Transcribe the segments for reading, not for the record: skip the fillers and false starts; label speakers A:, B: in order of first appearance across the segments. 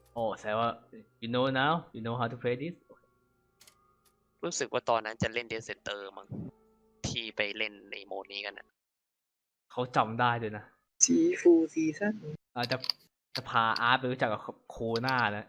A: โอ้แสดงว่า you know now you know how to play this
B: รู้สึกว่าตอนนั้นจะเล่นเดซเซนเตอร์มั้งที่ไปเล่นในโหมดนี้กันนะ
A: เขาจำได้ด้วยนะ
C: ซีฟูซีซั่น
A: เราจะพาอาร์ตไปรู้จักกับโคน่านะ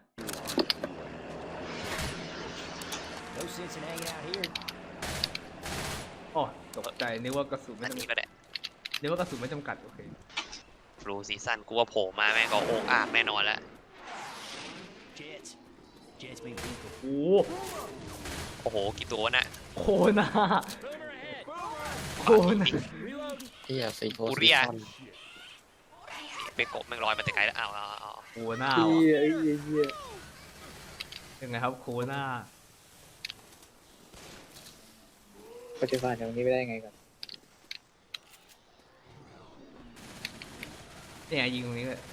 D: No sense in hanging out here.
A: โอ้ตกใจนึกว่ากระสุนไม่
B: อัน
A: จำ
B: นี้
A: กัด
B: ก็ได้
A: นึกว่ากระสุนไม่จำกัดโอเค
B: บลูซีซั่นกูว่าโผล่มาแม่งก็โอ่งอ่างแน่นอนแล้ว
D: Jets. Jets being people.
A: โอ้
B: โอ้โหกี่ตัวน่ะ
A: โคน่าโคน่า
E: เฮียซีโค
B: กู
E: ซี
B: เรีย
E: คอน
B: ไปกบแม่งลอยมาแต่ไกลแล้วเอา
A: โคน่า
C: เฮี
A: ว่ะ
C: ยเฮีย
A: ยังไงครับโคน่า
C: ปัจจุบันอย่างนี้ไม่ได้ไงกัน
A: เนี่ยยิงตรงนี้เลย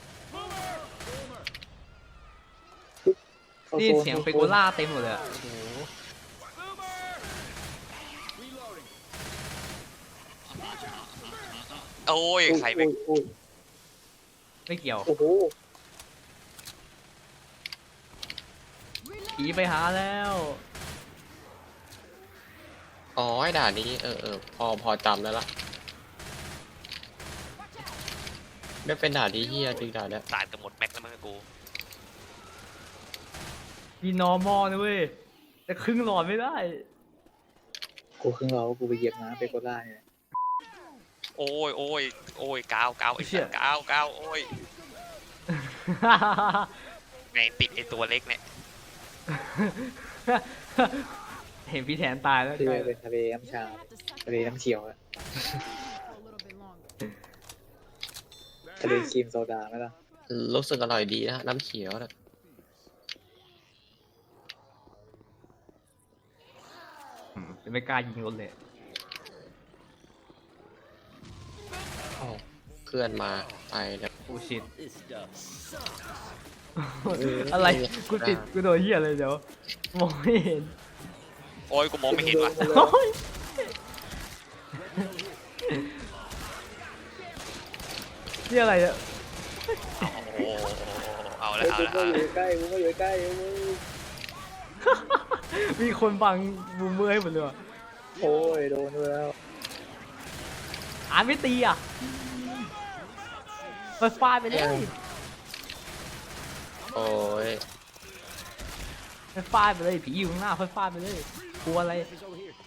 C: เข้า
A: นี่
C: โซน
A: เสียงเปโกล่าเต็มหมดเลยอะโอ้โห
B: โอ้ยใครไป
C: โอ้ย
A: ไม่เกี่ยว
C: โอ้โห
A: ผีไปหาแล้ว
E: อ๋อไอ้ด่านนี้พอจำแล้วล่ะไม่เป็นด่านที่เฮียจริงด่านเนี้ย
B: ตายกันหมดแม็กแล้วมั้งกู
A: มี normal นะเว้ยแต่ครึ่งหลอดไม่ได้
C: กูครึ่งเรากูไปเหยียบน้ำไปโกล่าเนี่ย
B: โอ้ยกาวไอ้
A: เชี่
B: สั
A: ย
B: ตว์กาวโอ้ยไงติดไอ้ตัวเล็กเนี่ย
A: เห็นพี่แทนตายแล้ว
C: ที่
A: ใช่
C: เป็นทะเลน้ำชาทะเลน้ำเขียวอะทะเลครีมโซดาไหมล่ะ
E: รู้สึกอร่อยดีนะน้ำเขียวนะ
A: จะไม่กล้ายิงรถเลย
E: อ้าวเพื่อนมาไปแล้ว
A: โอ้ชิต
D: This stuff sucks.
A: อะไรกูติดกูโดนเหี้ยอะไรเดี๋ยวมองไม่เห็น
B: โอ้ยกูมองไม่เห็นว่ะ
A: โอ้ยนี่อะไรเนี่ย
B: โอ้เอาละ
C: เฮ้ย
B: เอา
C: กู
B: ละ
C: ก็อยู่ใกล้กูก็อยู่ใกล้มึง
A: มีคนบังบูมเมอร์ให้หมดเลยว่ะ
C: โอ้ยโดนด้วยแล้ว
A: อ่านไม่ตีอ่ะเปิดไฟาดไปเลย
E: โอ้ย
A: เปิดไฟาดไปเลยผีอยู่ข้างหน้าเปิดไฟาดไปเลยกลัวอะไร
D: He's over here.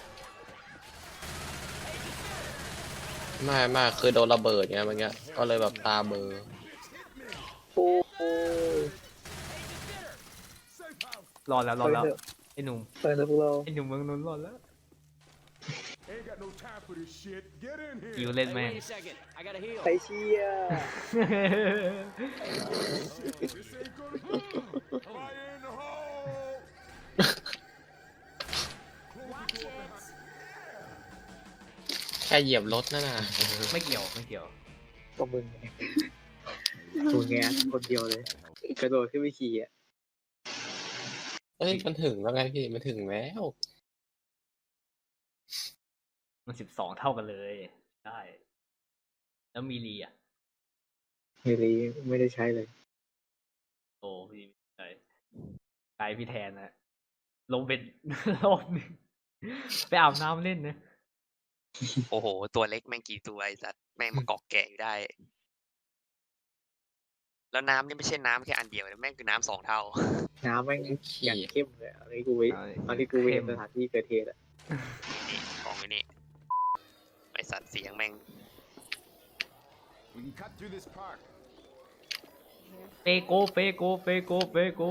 E: ไม่คือโดนระเบิดไงเมื่อกี้ก็เลยแบบตาเบลอ
C: โอ้ย
A: รอดแล้วรอดแล้ว
C: ไปเถอะ
A: ไอ้หนุ่ม
C: ไปเถอะพวกเรา
A: ไอ้หนุ่มเมืองนนท์รอดแล้ว
F: Ain't got no time for this shit. Get in
A: ยิว
F: here.
A: เล่น
D: Hey,
A: แม่ง
D: wait a second. I gotta heal.
C: ไปเชียร์
F: This ain't gonna do. Fire in the hole.
E: แค่เหยียบรถนั่นน่ะ
A: ไม่เกี่ยวไม่เกี่ยว
C: ก็มึงไงกูแงคนเดียวเลย กระโดดขึ้นไปขี่อ่ะ
E: เอ้ยมันถึงแล้วไงพี่มันถึงแล้ว
A: มัน12 เท่ากันเลยได้แล้วมีรีอ่ะ
C: ไม่รีไม่ได้ใช้เลย
A: โอ้พี่ใช่ไกลพี่แทนนะลงเป็น รอบหนึงไปอาบน้ำเล่นนะ
B: โอ้โหตัวเล็กแม่งกี่ตัวไอ้สัตว์แม่งมาเกาะแก่อยู่ได้ แล้วน้ำนี่ไม่ใช่น้ำแค่อันเดียวนะแม่งคือน้ำ2 เท่า
C: น้ำแม่งอย่างเข้มเลยอะอันนี้กูไปตอนที่กูไปเห็นสถานที่เกิดเหตุอ่ะ
B: นี่ของไอ้นี่ไอสัตว์เสียงแม่ง
F: We can cut through this park.
A: เปโกเปโกเปโกเปโก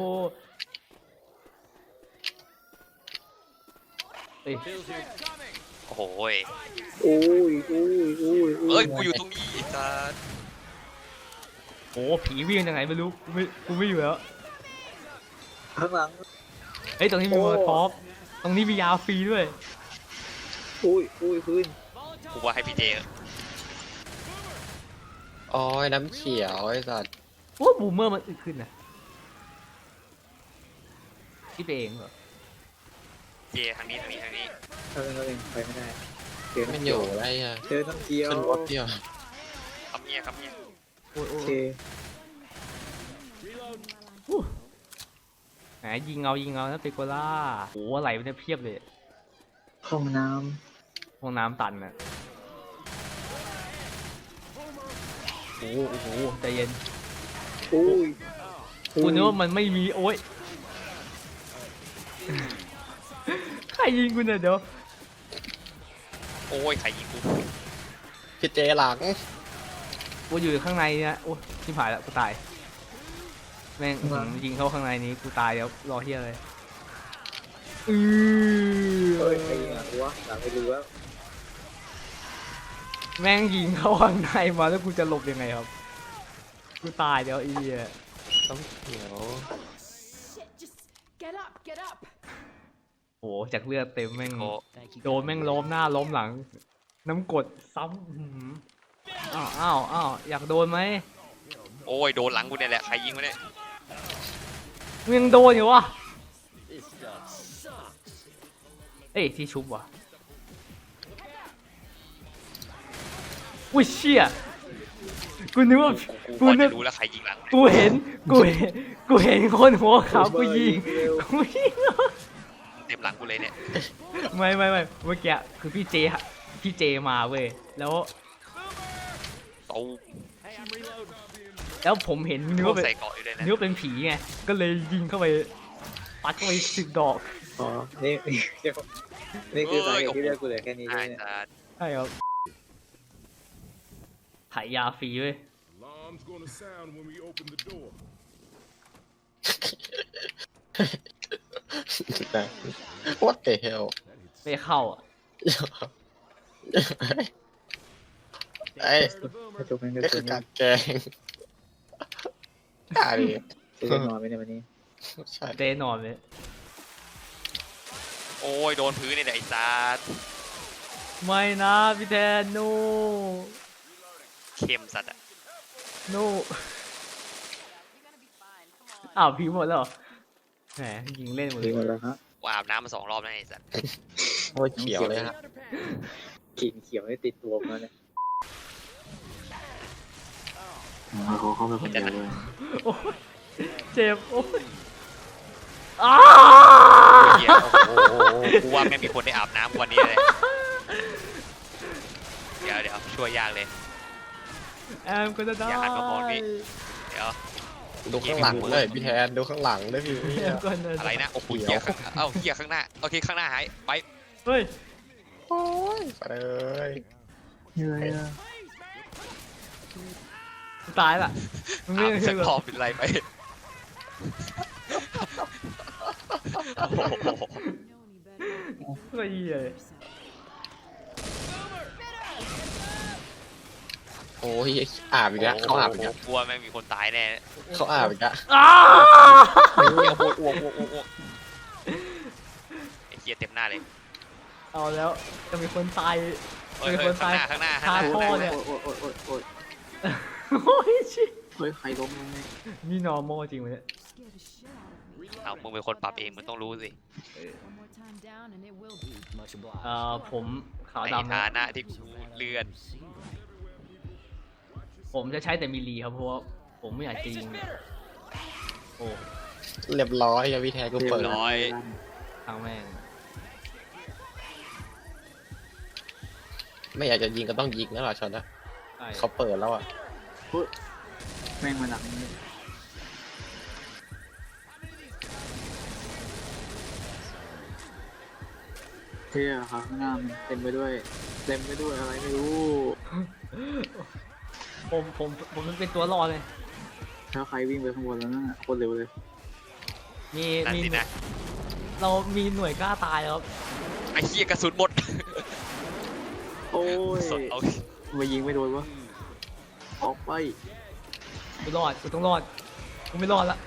A: เอ้ย
D: Bill's here.
B: โอ้โหย
C: โอ้ยโอ้ยโอ้ย
B: เอ้ยกูอยู่ตรงนี้ไอ้สัตว์
A: โอ้ผีวิ่งยังไงไม่รู้กูไม่อยู่แล้ว
C: ข้างหลัง
A: เฮ้ยตรงนี้มีมอท็อปตรงนี้มียาฟรีด้วย
C: โอ้ยโอ้ยพื้น
B: กูว่าให้พี่เจ
E: อ๋อน้ำเขียวไอ้สัตว์
A: โอ้บูมเมอร์มันอึดขึ้นนะคิดไปเองเหรอ
B: เจทางนี้
C: เท่านั้นเองไปไม่ได้เจอ
E: มัน
C: น้ำ
E: อ
C: เขียว
E: ยู่อะไรอ่ะ
C: เจอน้ำเขียว
E: ขึ้นรถเดียว
B: ครับเนี่ย
A: โอ้ยโอ้
C: โอย เค
A: ไหนยิงเอานะเปโกล่าโอ้อะไรมันเนี่ยเพียบเลย
C: ห้องน้
A: ห้องน้ำตันอ่ะโอ้โหใจเย็น
C: ำอุ้ย
A: กูนึกว่ามันไม่มีโอ๊ยใครยิงกูเนี่ยเดี๋ยว
B: โอ้ยใครยิงกู
E: พี่เจหลัง
A: กูอยู่ข้างในเนี่ยโอ้ชิบหายแล้วกูตายแม่งยิงเข้าข้างในนี้กูตายแล้วรอเฮียเลยอื
C: เฮ้ย
A: อ
C: ใครยิงอ่ะกูวะหลังไม่รู้แล้ว
A: แม่งยิงเข้าข้างในมาแล้วกูจะหลบยังไงครับกูตายแล้วไอ้เหี้ย
E: ต้องเขียว
G: Shit, just get up, get up.
A: โอ้จากเลือดเต็มแม่ง
B: โอ้
D: Thank you.
A: โดนแม่งล้มหน้าล้มหลัง น้ำกรดซ้ำอื้อหืออ้าวอยากโดนไหม
B: โอ้ยโดนหลังกูเนี่ยแหละใครยิงวะเนี่ย
A: มึงยังโดนอยู่วะ
D: This stuff sucks.
A: เอ้ยที่ชุบวะอุ้ยเชี่ยกูนึกว่า
B: กู
A: กู
B: พอ
A: นึ
B: จะ
A: ก
B: รู้แล้วใครยิงหลัง
A: กูเห็นคนหัวขาวกูยิงกูยิง
B: เต็มหลังกูเลยเนี่ย
A: ไม่เมื่อกี้คือพี่เจมาเว้ยแล้ว
B: โอ้
D: Hey, I'm reloading.
A: แล้วผมเห็นนึกว่าเป็น
B: ใส่เกาะอยู่เลยนะ
A: นึกว่าเป็นผีไงก็เลยยิงเข้าไปปัดเข้าไป10 ดอก
C: อ๋อนี่นี่คือสาเหตุที่เลือกกูเหลือแค่นี้ใช่
B: อ่า
C: ไหมเนี่ย
B: จะ
A: ใช่ครับถ่ายยาฟรีเว้ย
F: Alarm's gonna sound when we open the door.
E: What the hell
A: ไม่เข้าอ่ะ
E: ไอ้
C: ถ้าจบมันก็
E: นี่
C: คื
E: คือ อ
C: นี่
E: การแกล้งอะไร
C: จะได้นอนไหมเนี่ยวันนี้
E: ใช่
A: เจนอนเลย
B: โอ้ยโดนพื้นนี่แหละไอ้สัส
A: ไม่นะพี่แทนโน
B: เข้มสัตว์อะ
A: โนอ้าวผีหมดแล้วเหรอแหมยิงเล่นหมดเล
C: ดี
A: ย
C: หมดแล้วฮะ
B: กูอาบน้ำมา2 รอบแล้วไอ้สัส
E: โอ้ยเขียวเลยฮะ
C: กลิ่นเขียวนี่ติดตัวมาเนี่ยเขาเข้าไปคนเดียวเลย
A: โอ้ยเจ็บโอ้ยอ้า
B: เหี้ยโอ้โหกูว่าไม่มีคนได้อาบน้ำวันนี้เลยเดี๋ยวช่วยยากเลย
A: แอมก็จะได้
B: อย่าหันมามองพี่ เดี๋ยว
E: ดูข้างหลังเลยพี่แทนดูข้างหลังด้วยพี่
A: แอมก็จะ
B: อะไรนะโอ้โหเหี้ยข้างเอ้าเหี้ยข้างหน้าโอเคข้างหน้าหายไป
A: เฮ้ย
E: โอ้ยไปเลย
C: เหนื่อยอ่ะ
A: ตายละมึงไม่
B: อาบ
A: ใช่
B: สัก
A: หร
B: รอ
A: อบ
B: เป็นไรไปโอ้โห
A: ก็เหี้ย
E: โอ้ยอาบอีกแล้วเขาอาบอีกแล้ว
B: กลัวแม่งมีคนตายแน่
E: เขาอาบอีกแล้ว
A: อ้า
B: เหี้ยอ้วกไอ้เหี้ยเต็มหน้าเลย
A: เอาแล้วจะมีคนตาย
B: เฮ้ย
A: มีคนตาย
B: ข้างหน้า
A: คาท่อเนี่ย
C: โอ๊ย
A: โอ้ยชิ
C: เฮ้ยใครล้มลงเนี่ย
A: นี่ normal จริงไหมเนี่ย
G: Scared the shit out of me.
B: เอามึงเป็นคนปรับเองมึงต้องรู้สิ
G: One more time down and it will be.
D: Much obliged.
A: ผมขาว
B: ใน
A: ดำ
B: ฐา
A: นะ
B: นะที่กูเลื่อน
A: ผมจะใช้แต่มิลลีครับเพราะว่าผมไม่อยากจะยิงโอ้
E: เรียบร้อยอะพี่แทนกูเปิด
B: ร้อย
A: ทางแม่ง
E: ไม่อยากจะยิงก็ต้องยิงนะหรอชอนนะ
A: ใช่
E: เขาเปิดแล้วอ่ะ
C: แม่งมาดักนี่เที่ยครับข้างหน้ามันเต็มไปด้วยอะไรไม่รู้
A: ผมมันเป็นตัวรอดเลย
C: ถ้าใครวิ่งไปข้างบนแล้วนั่นโคตรเร็วเลย
A: มี
B: นั่น
A: มี
B: สินะ
A: เรามีหน่วยกล้าตายครับ
B: ไอ้เหี้ยกระสุนหมด
C: โอ้ย
B: สดเอา
C: มายิงไม่โดนวะออกไป
A: กูรอดกูต้องรอดกูไม่รอดละ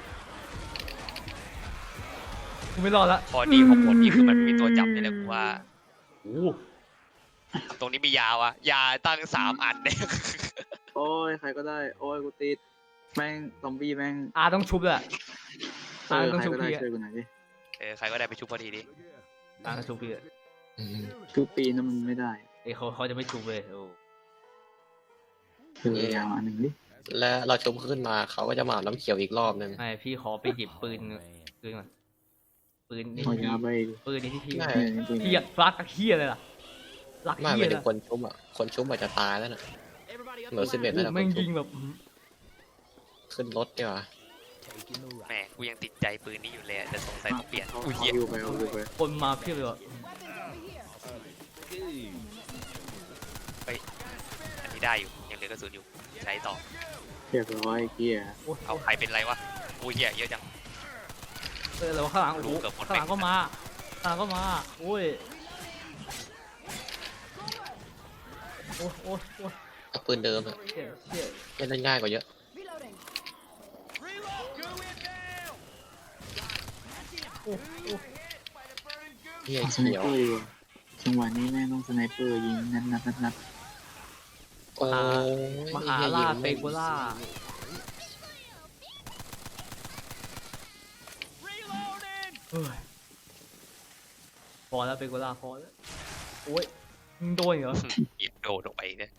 A: กูไม่รอดละ
B: พอดีของผมนี่คือมันมีตัวจับนี่แหละกูว่า
A: โอ้
B: ตรงนี้มียาวะยาตั้ง3 อันเนี่ย
C: โอ้ยใครก็ได้ โอ้ยกูติดแม่งซอมบี้แม่ง
A: อาต้องชุบเลยอะ
C: เออ
A: ต้อง
C: ใคร
A: ชุบ
C: ก็ได้
A: พี่อะ
C: ช่วยกูหน่อยดิ
B: ใครก็ได้ไปชุบพอดีดิ
A: ต้องชุบพี่อะ
E: อืม
C: ทุกปีนั้นมันไม่ได้
A: เอ้ยเขาจะไม่ชุบเลยโอ้
C: คืออย่างอันหนึ่งดิ
E: และเราชุบขึ้นมาเขาก็จะมาอาบน้ำเขียวอีกรอบนึง
A: ไม่พี่ขอไปหยิบปืนก่อนปืนนี่
C: เอายาไป
A: ปืนนี่ที่พี่
E: ไม่
A: พี่อยากรักกับเฮียเลยล่ะรัก
E: ไม่
A: เฮี
E: ไม่
A: ย
E: ถึ
A: เล
E: ง
A: ย
E: คนชุบอ่ะคนชุบอาจจะตายแล้วน่ะ
D: Everybody up
E: เหลือ
D: the
E: 11
D: ladder.
E: แล้วนะค
A: แม่ง
E: นชุ
A: ยิ
E: บ
A: งแบบ
E: ขึ้นรถดีกว่า
D: Taking the
B: แหม
D: right.
B: กูยังติดใจปืนนี้อยู่เลยอะแต่สงสัยต้องเปลี่ยน
C: เอา
B: อุ้ยเหี้ย
C: อยู่ไปเอาอยู่ไป
A: คนมาเพียบเลยว่ะ
B: อันนี้ได้อยู่ยังเหลือกระสุนอยู่ใช้ต่อ
C: เรียบร้อยเกียร์
B: เอาใครเป็นไรวะอุ้ยเหี้ยเยอะจัง
A: แต่ว่าข้างหลังโอ้โห
B: รู้เกือบหมด
A: ข้างหลังก็มาข้างหลังก็มาโอ้ยโอ้ยโอ้ยโอ้ย
E: เอาปืนเดิมอะ
A: เชี่ยเชี่ย
E: เล่นง่ายกว่าเยอะ
G: Reloading.
A: โอ้โอ้
E: เฮีย
C: เอาสไน
E: เขียว
C: เปอร์ดีกว่าจังหวะนี้แม่งต้องสไนเปอร์ยิงนัด
E: โอ้ย
A: มหาล่าเปโกล่าเฮ้ยพอแล้วเปโกล่าพอแล้วโอ้ยมึงโดนเหรอ
B: หยิบโดดลงไปเนี่ย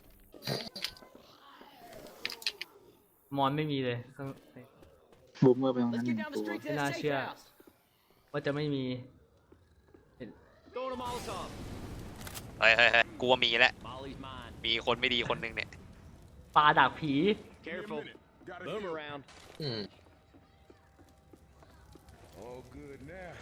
A: มอนไม่มีเลยข้าง
C: บูมเมอร์ไปตรงนั้น
D: Let's
C: หนึ่
D: get
C: ง
D: down
C: ตั
D: the
C: ว
D: street to
A: ไม่
D: the
A: น่าเชื่อ
D: steakhouse.
A: ว่าจะไม่มี
D: Throwing a Molotov.
B: เฮ้ยเฮ้ยเฮ้ยกูว่ามีแล้ว
D: Molly's mine.
B: มีคนไม่ดีคนหนึงเนี่ย
A: ปลาดักผี
D: Careful.
F: Gotta
D: Boom
F: heal.
D: around.
E: อืม
F: All good now.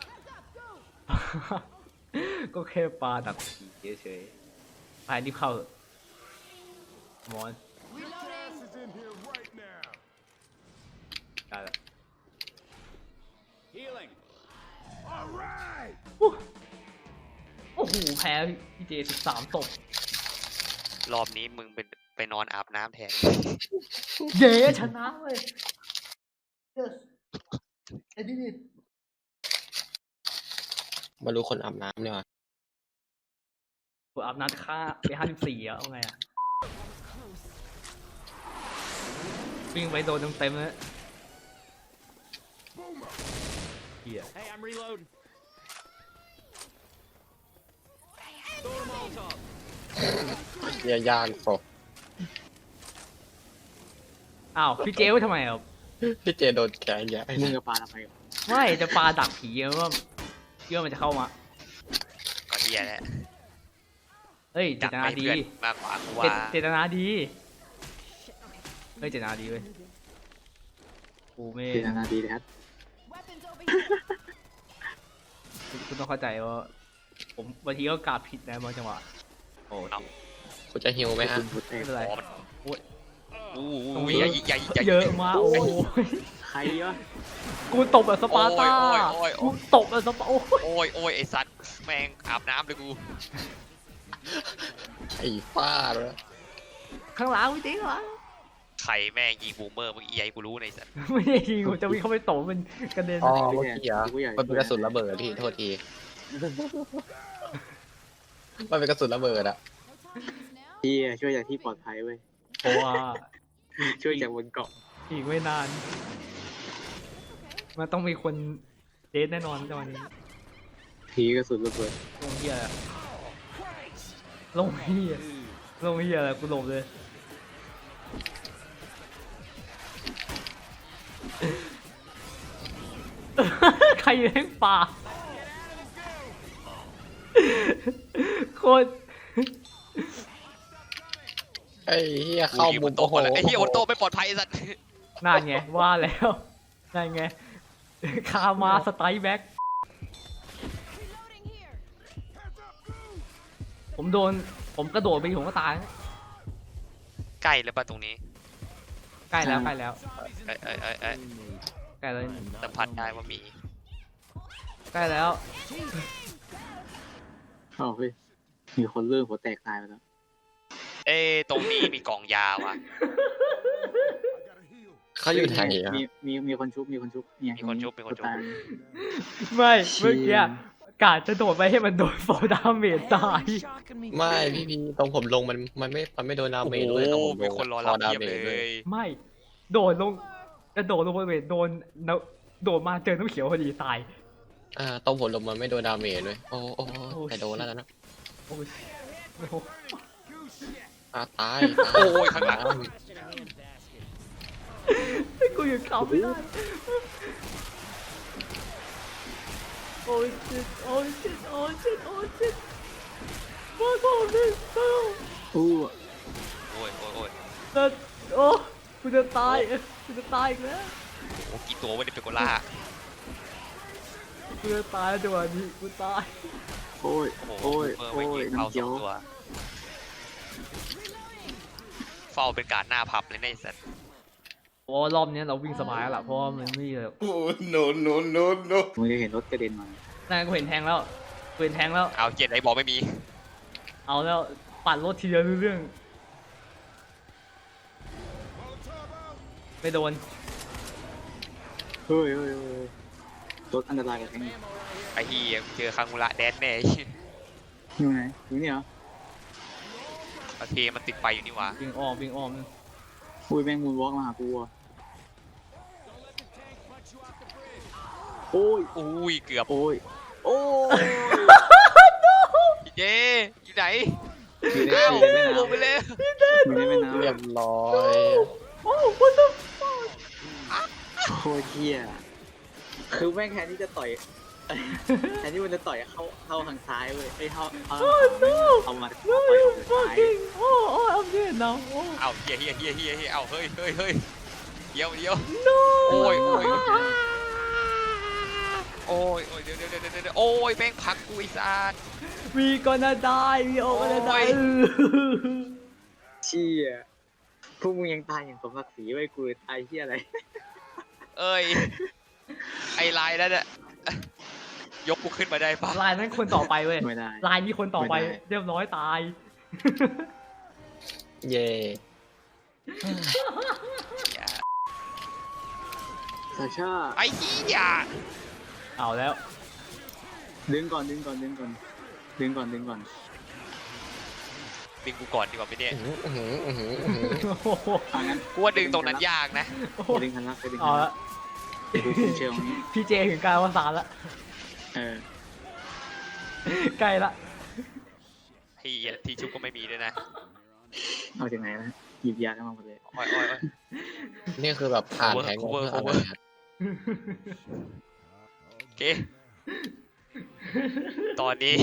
A: ก็แค่ปลาดักผีเฉยๆไปรีบเข้าเถอะมอน
F: Gas is in here right now.
A: ได้แล้ว
D: Healing.
F: All right.
A: โอ้โหแพ้พี่เจ13ศพ
B: รอบนี้มึงเป็นไปนอนอาบน้ำแทน
A: เย้ชนะเลย yes I did it
E: มารู้คนอาบน้ำเนี่ยว่ะ
A: กูอาบน้ำค่าไป54อะเอาไงอะวิ่งไปโดนเต็มๆเลยเฮีย
D: Hey, I'm reloading. Throwing a Molotov.
E: เฮียยากปก
A: อ้าวพี่เจไว้ทำไมอ่ะ
E: พี่เจโดนแขนใหญ่
C: มึงกับปลาทำไม
A: ไม่จะปลาดักผีอะว่าเชื่อมันจะเข้ามา
B: ก็เฮียแหละ
A: เฮ้ยเจ
B: จัด
A: ตนา
B: ไป
A: ดี
B: เพื่อนมากกว่ากูว่า
A: เจตนาดีเฮ้ยเจตนาดีเว้ยกูไม่
C: เจตนาดีแท้
G: Weapons over here.
A: คุณต้องเข้าใจว่าผมบางทีก็กราบผิดนะบางจังหวะโอ้ย
E: คุณจะฮิวไหมฮะ
C: คุณหัวแต
A: ไม่
C: ก
A: เป็นไร
B: อู้ยอย่า
A: เยอะมากโอ้ย
C: ใครวะ
A: กูตบแบบสปาร์ตา
B: โอ้ย
A: กูตบแบบสปาโอ้ย
B: โอ้ยโอ้ยไอสัตว์แม่งอาบน้ำเลยกู
E: ไอ้ฟ้าเลย
A: ข้างหลังไม่จริงเหรอ
B: ใครแม่งยิงบูมเมอร์เมื่อกี้ไอ้กูรู้ในสัตว์
A: ไม่ได้ยิงกูจะวิ่งเข้าไปตบมันกระเด็น
E: อ๋อเมื่อกี้เหรอมันเป็นกระสุนระเบิดพี่โทษทีมันเป็นกระสุนระเบิดอะ
G: No time to use now.
C: พี่ช่วยจากที่ปลอดภัยเว้ย
A: เพราะว่า
C: ช่วยจากบนเกาะ
A: อีกไม่นาน มันต้องมีคนเดทแน่นอนจังหวะนี้
C: ผีกระสุนระเบิด
A: ลงเฮียอะไรลงเฮียลงเฮียอะไรกูหลบเลย ใครเลี้ยงปลาโคตร
E: ไอ้เฮียเข้ามุม
B: โต
E: โอ้โห
B: แล้วไอ้เฮียโอโต้ไม่ปลอดภัยไอ้สัตว์
A: นั่นไงว่าแล้วนั่นไงคามาสไตล์แบ็ก
G: Reloading here.
A: ผมกระโดดไปผมก็ตาย
B: ใกล้แล้วป่ะตรงนี้
A: ใกล้แล้วใกล้แล้ว
B: เอ้ย
A: ใกล้แล้ว
B: สัมผัสได้ว่ามี
A: ใกล้แล้ว
C: เอ้าเฮ้ยมีคนเลื่อนหัวแตกตายไปแล้ว
B: เอ้ตรงนี้มีกล่องยาว่ะ
F: I gotta heal.
E: เขาอยู่ไหนอะ
C: มีคนชุบเนี่ย
B: มีคนชุบมีคนชุบ
C: ตาย
A: ไม่เมื่อกี้กาดจะโดดไปให้มันโดนฟอร์ดาเมจตาย
D: Shocking me.
E: ไม่พี่ตรงผมลงมันไม่โดนดา
B: โอ้
E: เม
B: โห
E: จด้วยตรงผม
B: มีคนรอรับ
E: ดา
B: เพียบ
E: เม
B: เล
E: จด้วย
B: ย
A: ไม่โดดลงกระโดดลงบนเวทโดนโดดมาเจอน้ำเขียวพอดีตาย
E: ตรงผมลงมันไม่โดนดาเมจด้วยโอ้แต่โดนแล้วนะ
A: โอ้ยโอ้โห
E: ตาย
B: โอ้ยข้างหลัง
D: Blasted handbasket.
A: กูหยุดขำไม่ได้โอ้ยชิตโอ้ยชิตโอ้ยชิตโอ้ยชิตมาก่อนดิเต้า
C: อู้
B: โอ้ยโอ้ยโอ้ย
A: แต่โอ้กูจะตายกูจะตายอีกแล้ว
B: โอ้กี่ตัววะเนี่ยเปโกล่า
A: กูจะตายจังหวะนี้กูตาย
C: โอ้ย
B: โอ้โห
C: โอ้ย
B: เมื่อ
C: โอ้
B: ไม่
C: ย
B: ยิงเข้า
C: น้ำ
B: ส
C: เขีย
B: อ
C: ว
B: งตัวเฝ้าเป็นการหน้าพับเลยนะไอ้สัตว์
A: โอ้รอบนี้เราวิ่งสบายแล้วล่ะเพราะว่ามันไม่มีเลย
F: Oh, no, no, no, no.
C: มึงจะเห็นรถกระเด็นมา
A: นั่นกูเห็นแทงแล้วกูเห็นแทงแล้ว
B: เอาเจ็ดไอ้บอกไม่มี
A: เอาแล้วปัดรถทีเดียวรู้เรื่องไม่โดน
C: เฮ้ยเฮ้ยเฮ้ยรถอันตรายกับแทงนี่
B: ไอ้เหี้ยเจอคังมูระแดนแน่
C: อยู่ไหนอยู่นี่เหรอ
B: โอเคมันติดไฟอยู่นี่หว่า
A: วิ่งอ้อมวิ่งอ้อม
C: อุ้ยแม่งมูนวอล์กมาหากูอ่ะโอ้ย
B: อุ้ยเกือบ
C: โอ้ยโอ้ย
B: พี่เจอยู่ไหน
C: อยู่ใน
B: อ้าว
C: แม่
B: ลงไป
C: น้ำ
B: เลย
C: อยู่ในแม่น้ำ
E: เรียบร้อย
A: โอ้ what the
C: โคตรเหี้ยคือแม่งแทนที่จะต่อย แทนที่มันจะต่อยเข้าทางซ้ายเว้ยไอ้เอามาต่อยทางซ้าย
A: fucking oh I'm dead now oh
B: เอาเฮียเอาเฮ้ยเดี๋ยว
A: no
B: โอ้ยเดี๋ยวโอ้ยแม่งพักกูไอ้สัส
A: we gonna die we all gonna
B: โอ้ย
A: die
C: เชี่ยพวกมึงยังตายอย่างสมศักดิ์ศรีไว้ยกูตายเหี้ยอะไร
B: เอ้ยไอ้ลายนั่นน่ะยกกูขึ้นมาได้ปะ
A: ลายนั้นคนต่อไปเว้ย
C: ไม่ได้
A: ลายนี้คนต่อไป
C: ไม่ได้
A: เรียบร้อยตาย
E: เย่
B: อย่า
C: ซาชา
B: ไอ้เหี้ย
A: เอาแล้ว
C: ดึงก่อนดึงก่อน
B: ดึงกูก่อนดีกว่าไหมเนี่ย
A: โอ้โห
C: เอางั้น
B: กูว่าดึงตรงนั้นยากนะ
C: ไปดึงคันลักไปดึง
A: เอา
C: คันลั
A: ละ
C: กดูคุณเชลนี้
A: พี่เจถึงการวสานละ
C: เออ
A: ใกล้ละ
B: ไอ้เหี้ยที่ชุบก็ไม่มีด้วยนะ
C: เอาจากไหนนะหยิบยาเข้ามาหมดเลย
B: โอ้ย
E: นี่คือแบบผ่านแทง
B: cover
E: เพื่ออะไรครับ
B: โอเคตอนนี้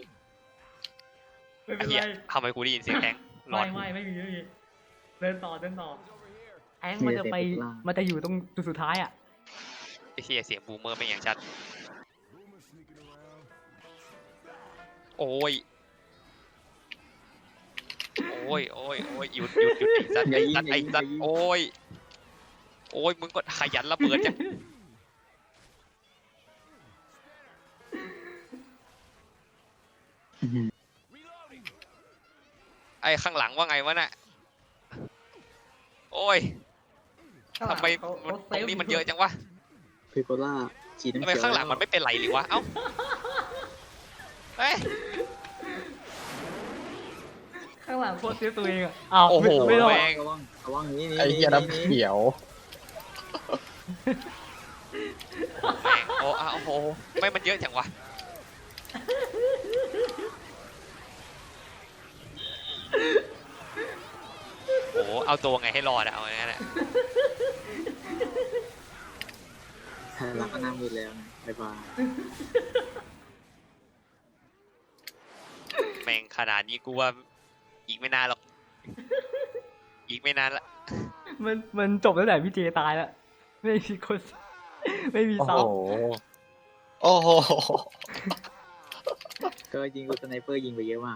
A: ไม่
B: ไอ้
A: เป็น
B: เหี้ย
A: ไร
B: ทำไมกูได้ยินเสียงแทงร้อน
A: ไม่มีเดินต่อแองมันจะไปมันจะอยู่ตรงจุดสุดท้ายอ่ะ
B: ไอ้เหี้ยเสียงบูมเมอร์ไม่อย่างชัดโอ้ยหยุดไอ้สัตว์โอ้ยมึงก็ขยันระเบิดจังไอ้ข้างหลังว่าไงวะน่ะโอ้ยทำไมมันตรงนี้มันเยอะจังวะ
C: เพโกล่าฉีดน้ำ
B: ทำไม
C: เขียว
B: ข้างหลังมันไม่เป็นไรเลยวะเอ้าเฮ้ย
A: ข้างหลังโคตรเซฟตัวเองอ่ะอ้าว
B: โอ้โห
A: ไม่รอด
B: แม่ง
C: ระวังนี้
E: ไอ้เหี้ยน้ำเขียว
B: แม่งโอ้โหไม่มันเยอะจังวะโอ้โหเอาตัวไงให้รอดอะเอาอย่างนั้นแหละ
C: คันลักก็น้ำมือแล้วนะบ๊ายบาย
B: แม่งขนาดนี้กูว่าอีกไม่นานหรอกอีกไม่นานละ
A: มันจบตั้งแต่พี่เจตายแล้วไม่มีคนไม่มี
E: โอ้
A: ซ้
E: โห โอ้โห
C: ก็ยิงกูสไนเปอร์ยิงไปเยอะมาก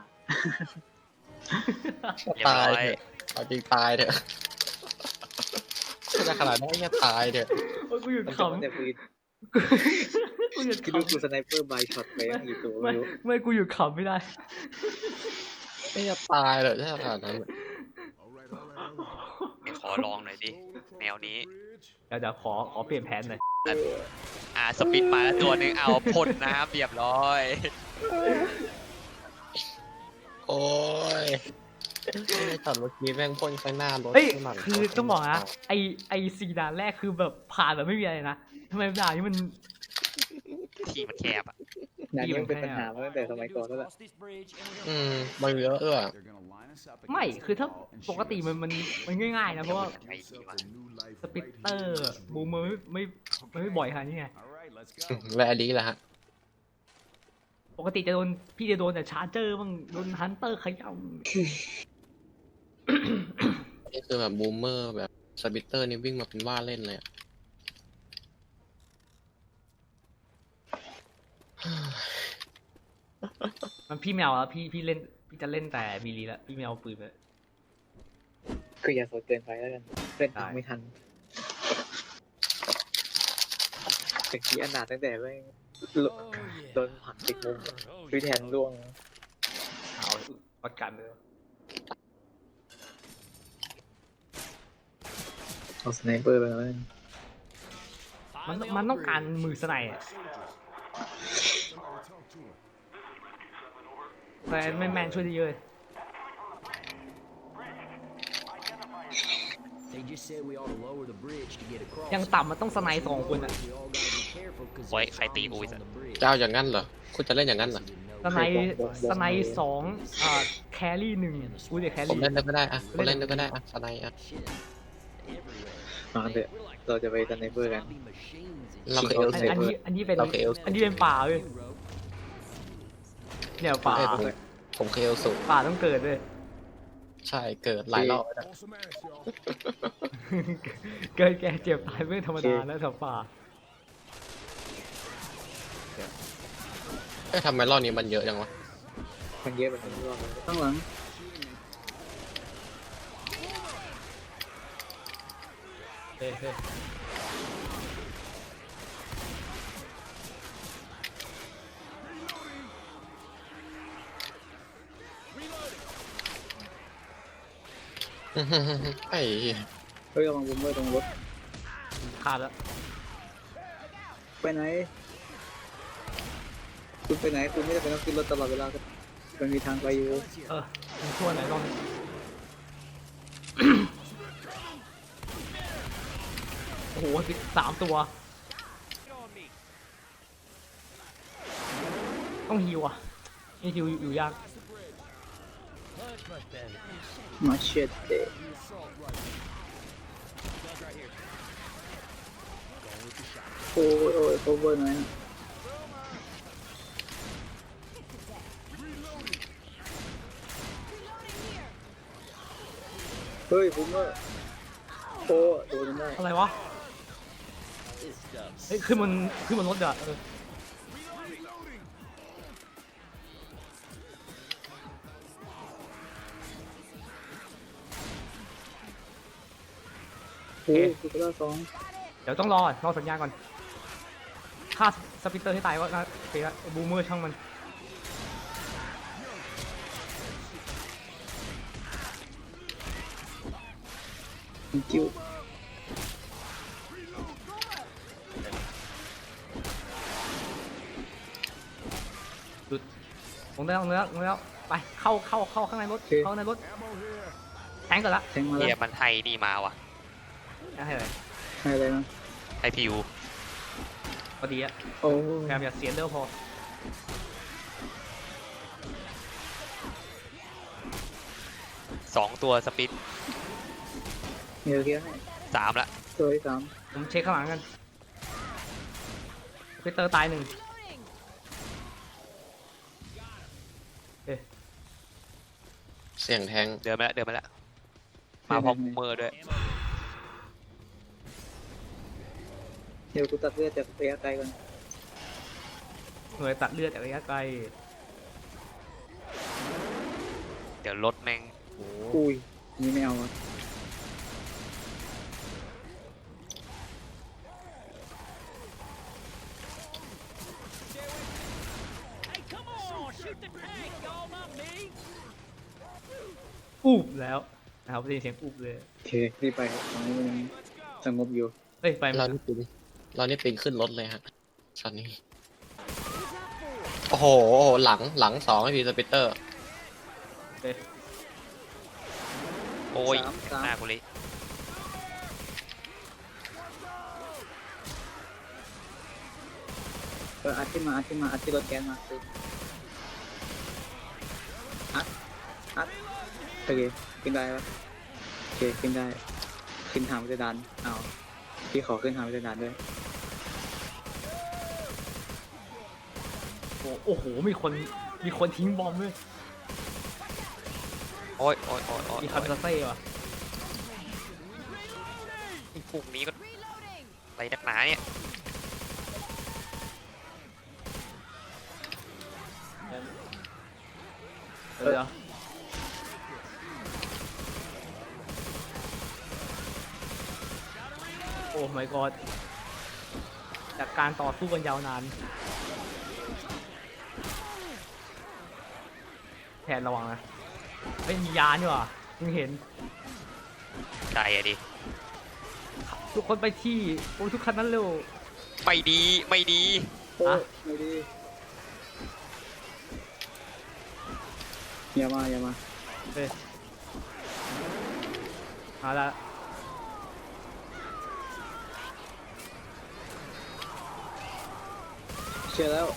B: เรียบ
E: ตาย
B: ร้อย
E: เถอะเอาจริงตายเถอะจะขนาดนั้นจะตายเถอะ
A: ำโอ้ยกูหยุด
C: มัน
A: ข
C: จะมันแต่ปืน
A: ำกูหยุด
C: คิด
A: ข
C: ดูกูสไนเปอร์บายช็อตไปตั้งกี่ตัว
A: ำ
C: ไม่
A: ไม่
C: รู้
A: ไม่กูหยุดขำไม่ได้
E: ไม่จะตายเลยถ้าขนาดนั้น
B: ไม่ขอลองหน่อยดิแนวนี้
A: เดี๋ยวขอเปลี่ยนแผนหน่อย
B: สปินมาแล้วตัวหนึ่งเอาพ่นน้ำเรียบร้อย
E: โอ้ยไม่ตอนเมื่อกี้แม่งพ่นข้างหน้ารถ
A: เฮ้ย
E: ข้างหลัง
A: คือต้องบอกนะไอสี่ด่านแรกคือแบบผ่านแบบไม่มีอะไรนะทำไมด่านนี้มัน
B: ที่มันแคบอะ
C: มงานนี้มันเป็นปัญหามาตั้งแต่สมัยก่อนแล้วล่ะ
E: มันเยอะเออ
A: ไม่คือถ้าปกติมันง่ายๆนะเพราะว่า
B: ไอ้ดีวะ
A: สปิตเตอร์บูมไม่บ่อยขนาดนี้ไง
D: All right, let's go.
E: และอันนี้แหละฮะ
A: ปกติพี่จะโดนแต่ชาร์เจอร์บ้างโดนฮันเตอร์ขย่
E: นี่คือแบบบูมเมอร์แบบสปิตเตอร์นี่วิ่งมาเป็นว่าเล่นเลยอะ
A: ำมันพี่แมวอะพี่เล่นพี่จะเล่นแต่มีลีละพี่แมวปืนเลย
C: คืออย่าโซดเกินไปแล้วกันเล่นตามไม่ทันแต่กี้อนาถตั้งแต่ไม่โดนผลักติดมุมพี่แทนร่วง
A: เอาประกันเลย
C: เอาสไนเปอร์ไปแล้ว
A: มันต้องการมือสไนด์อะแต่แมนช่วยได้เยอะ
D: They just said we ought to lower the bridge to get across.
A: ยังต่ำมันต้องสไนด์2 คนอะ
D: We all gotta be careful 'cause
B: โอ้ย
D: there's
B: ใครตีกู
D: zombies
B: อีก
D: on the bridge.
E: เจ้าอย่างนั้นเหรอ คุณจะเล่นอย่างนั้นเหรอ
A: สไนด์2แครี่1กูจะแค
E: ผม
A: รี่
E: เล่นได้ก็ได้อะผมเล่นได้ก็ได้อะสไนด์อะ
D: Shit. Everywhere.
C: มาเถอะเราจะไปสไนเปอร์กัน
D: Zombie machines
E: เราเคยเอล
A: อัน
E: เซ
A: อันนี้เป็น
E: เราเคยเอล
A: อันนี้เป็นป่าเว้ยเนี่ยป่า
E: ผมเคยเอลสู
A: ป่าต้องเกิดเลย
E: ใช่เกิดหลายรอบแล้ว
F: On some ass, y'all.
A: เกิดแก่เจ็บตายไม่ธรรมดาแล้วแถวป่า
E: เอ้ยทำไมรอบนี้มันเยอะจังวะ
C: มันเยอะแบบนี้รอบข้างหลัง
A: เฮ้ยเฮ้ย
E: ไอ้เหี้ย
C: เฮ้ยระวังบูมเมอร์ตรงรถ
A: ขาดแล้ว
C: ไปไหนคุณไปไหนคุณไม่ได้ไปต้องขึ้นรถตลอดเวลาครับมันมีทางไปอยู่
A: มันชั่วไหนลองโอ้โห3 ตัว ต้องฮิวอ่ะนี่ฮิวอยู่ยาก
C: มาเช็ดเดโอ้ยโอ้ยโคเวอร์หน่อยนะเฮ้ยบูมเมอร์โอ้โดนได้
A: อะไรวะ เฮ้ยขึ้นมันรถเดี๋ยว
C: โอ้ยสุดยอดสอง
A: เดี๋ยวต้องรอสัญญาณก่อนฆ่าสปิตเตอร์ให้ตายว่าโอเคละบูมเมอร์ช่างมัน
C: กิ้ว
A: ลงได้แล้วไปเข้าข้างในรถเข้าในรถ
F: Ammo here.
A: แทงก่อนละ
C: แทงมา
B: เฮี
C: แล้
B: ยว มันให้นี่มาว่ะ
A: ให้เลย
C: ให้อะไรนะ
B: ให้พิว
A: พอดีอะ
C: โอ้
A: พยายามอย่าเสียเร็วพอ
B: 2 ตัวสปิด
C: เดี๋ยวเกี้ยให้
B: 3ละ
C: ตัวที่สาม
A: ผมเช็คข้างหลังกันสปิตเตอร์ตาย 1
E: เสียงแทง
B: เดินมาแล้วมาพร้อมบูมเมอร์ด้วย
C: เดี๋ยวกูตัดเลือดจากระยะไกลก่อน
A: หน่วยตัดเลือดจากระยะไกล
B: เดี๋ยวรถแม่ง
C: อุ้ยนี่ไม่เอาอ่ะ
A: อูบแล้วนะครับได้ยินเสียงอูบเลย
C: โอเครีบไปตอนนี้มันยังสงบอยู่
A: เฮ้ยไป
E: เรานี่ปีนขึ้นรถเลยฮะช็อตนี้ โอ้โห หลัง2ให้พีสปิตเตอร์
B: โอ้ย
C: สาม
B: หน้ากูเลย
C: โอัดขึ้นมาอัดที่รถแก๊สมาอัดโอเคขึ้นได้ปะโอเคขึ้นได้ขึ้นทางวิทยาดานเอาพี่ขอขึ้นทางวิทยาดานด้วย
A: โอ้โหมีคนทิ้งบอมด้วย
B: โอ้ยโอ้ยโอ้ยโอ้ย
A: มีคาร์เซ่ว่ะ
B: ไอ้พวกนี้ก็
G: Reloading.
B: อะไรนักหนาเนี่ย
A: เดี๋ยวโอ้ my god จากการต่อสู้กันยาวนานแทนระวังนะไม่มียานี่หว่ามึงเห็น
B: ใจอะดิ
A: ทุกคนไปที่โอ้ทุกคันนั้นเร็ว
B: ไม่ดีไม่ดี
C: โอ้
A: อ่ะ
C: ไม่ดีอย่ามา
A: เฮ้ยเอาละ
C: เชื่อแล้ว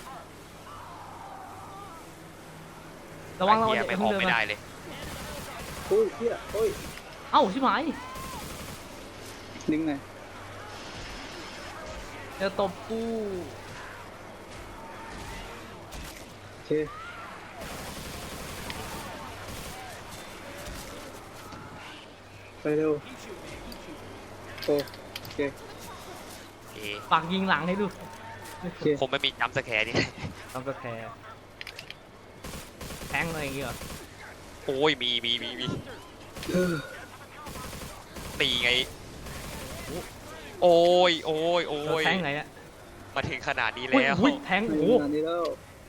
A: ระวัง
B: ไอ้
A: ระวัง
B: เหี้ย
A: อย่า
B: ไม่
A: เพิ่
B: อง อก
A: เดิน
B: ไม่
A: มา
B: ได้เลย
C: โอ้ยเฮียโอ้ย
A: เอ้าชิบหาย
C: ดึงหน่อย
A: จะตบกู
C: โอเคไปเร็วโอ้โอเค
B: เอ
A: ปากยิงหลังให้ดู
C: โอเค
B: คงไม่มีจัมป์สแคร์นี่
A: ทำสแคร์แทงอะไรอย่างเงี้ยเหรอ
B: โอ้ยมีตีไง โอ้ยโอ้ยโอ้ย
A: แทงไหนเนี่ย
B: มาถึงขนาดนี้
A: อุ้ย
B: แล้ว
A: อุ้ยแทง
C: ไม่
A: โอ้
C: ขนาดนี้แล้ว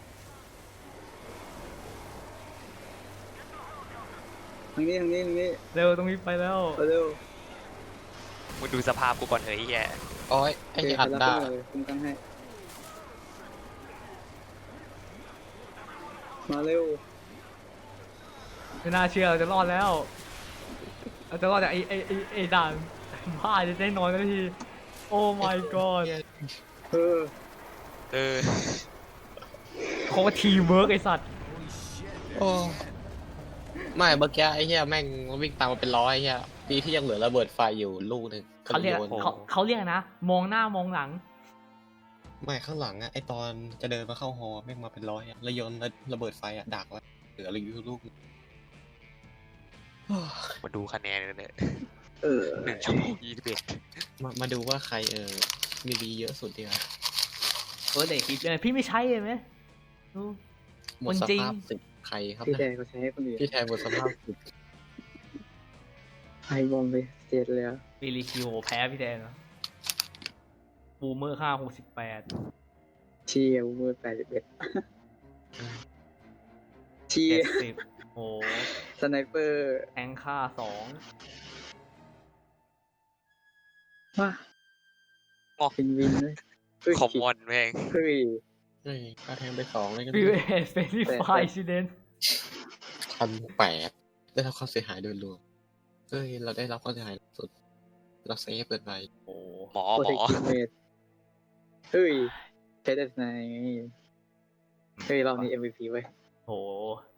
C: ทางนี้
A: เร็วตรงนี้ไปแล้ว
C: ไปเร็ว
B: มึงดูสภาพกูก่อนเฮ้ยแย่
E: โอ้ยไอ้
C: โอเค
E: เหี้ยอัด
C: ไป
E: ได้
C: รับเลยคุ้มกันให้มาเร็ว
A: ไม่น่าเชื่อเราจะรอดแล้วเราจะรอดจากไอ้ด่านบ้าจะได้นอนกันที โอ้ my god
C: เออ
B: เออ
A: โคตรทีมเวิร์กไอสัตว์
E: โอ้ไม่เมื่อกี้ไอ้เหี้ยแม่งวิ่งตามมาเป็นร้อยไอ้เหี้ยดีที่ยังเหลือระเบิดไฟอยู่ลูกหนึ่ง
A: เขาเรียก
E: โน
A: เขาเรียกนะ มองหน้ามองหลัง
E: ไม่ข้างหลังอะไอตอนจะเดินมาเข้าฮอแม่งมาเป็นร้อยอะแล้วโยนระเบิดไฟอะดักไว้เหลืออะไรอยู่ลูกหนึ่ง
B: มาดูคะแนนกันเลย
C: เออ
B: 1 ชั่วโมง 21
E: มาดูว่าใครมีดีเยอะสุดดีกว่า
A: เด็กคิดเลยพี่ไม่ใช่เลยไหมดู
E: หมด
A: คน
E: ส
A: จริง
E: ภาพสิบใครครับ
C: พี่แท
E: นะ
C: นเขาใช้ให้คนอื่น
E: พี่แทนหมดสภาพสิบ
C: ไอบอมไปเจ็ดเลยอะ
A: วิลลีคิวแพ้พี่แดนเหรอบูมเมอร์568
C: เชียร์มือ81เชียร์
A: 70โอ้
C: สไนเปอร์
A: แทงค่า2
C: ว้าเป็นวินเลยเฮ้ย
B: คอมมอนแม่ง
C: เฮ้ย
E: เฮ้ยก็แทงไป2เลยกัน
A: วิวเอสเฟรนลี่ไฟซิเดน
E: 1,800ได้รับความเสียหายโดยรวมเฮ้ยเราได้รับความเสียหายสุดเราเซฟเกินไป
A: โอ้
B: หมอ
C: โปร
B: หม
C: เทค
B: อ
C: ทีเมทเฮ้ยใช้ได้ไงเฮ้ยรอบนี้ MVP ไว้ย
A: โห